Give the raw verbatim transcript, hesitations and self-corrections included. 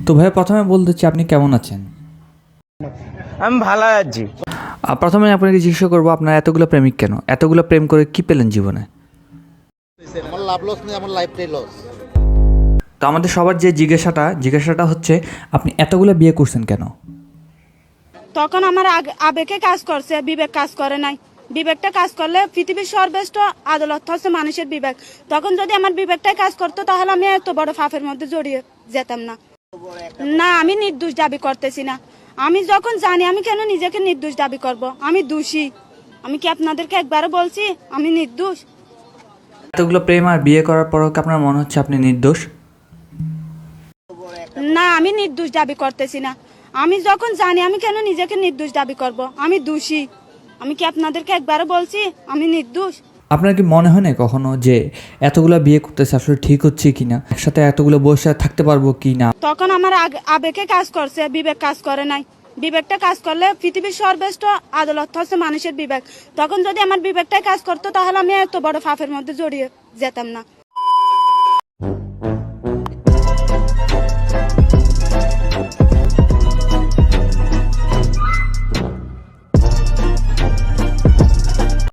তো ভাই প্রথমে বলতে চাই আপনি কেমন আছেন? আমি ভালো আছি। আহ, প্রথমে আপনাকে জিজ্ঞাসা করবো আপনার এতগুলো প্রেমিক কেন, এতগুলো প্রেম করে কি পেলেন জীবনে? আমার লাভ লস নেই, আমার লাইফটাই লস। তো আমাদের সবার যে জিজ্ঞাসাটা জিজ্ঞাসাটা হচ্ছে আপনি এতগুলো বিয়ে করছেন কেন? তখন আমার আগ- আবেগে কাজ করছে, বিবেক কাজ করে নাই। বিবেকটা কাজ করলে পৃথিবীর সর্বশ্রেষ্ঠ আদালত হচ্ছে মানুষের বিবেক। তখন যদি আমার বিবেকটাই কাজ করতো তাহলে আমি এত বড় পাপের মধ্যে জড়িয়ে যেতাম না। না, আমি নির্দোষ দাবি করতেছি না। আমি যখন জানি, আমি কেন নিজেকে নির্দোষ দাবি করব? আমি দোষী। আমি কি আপনাদেরকে একবারও বলছি আমি নির্দোষ? এতগুলো প্রেম আর বিয়ে করার পরও কি আপনার মনে হচ্ছে আপনি নির্দোষ? না, আমি নির্দোষ দাবি করতেছি না। আমি যখন জানি, আমি কেন নিজেকে নির্দোষ দাবি করব? আমি দোষী। আমি কি আপনাদেরকে একবারও বলছি আমি নির্দোষ? আপনার কি মনে হয় না কখনো যে এতগুলো বিয়ে করতেছে আসলে ঠিক হচ্ছে কি না, একসাথে এতগুলো বসে থাকতে পারবো কি না? তখন আমার আগ- আবেগে কাজ করছে, বিবেক কাজ করে নাই। বিবেকটা কাজ করলে পৃথিবীর সর্বশ্রেষ্ঠ আদালত হচ্ছে মানুষের বিবেক। তখন যদি আমার বিবেকটাই কাজ করতো তাহলে আমি এত বড় পাপের মধ্যে জড়িয়ে যেতাম না।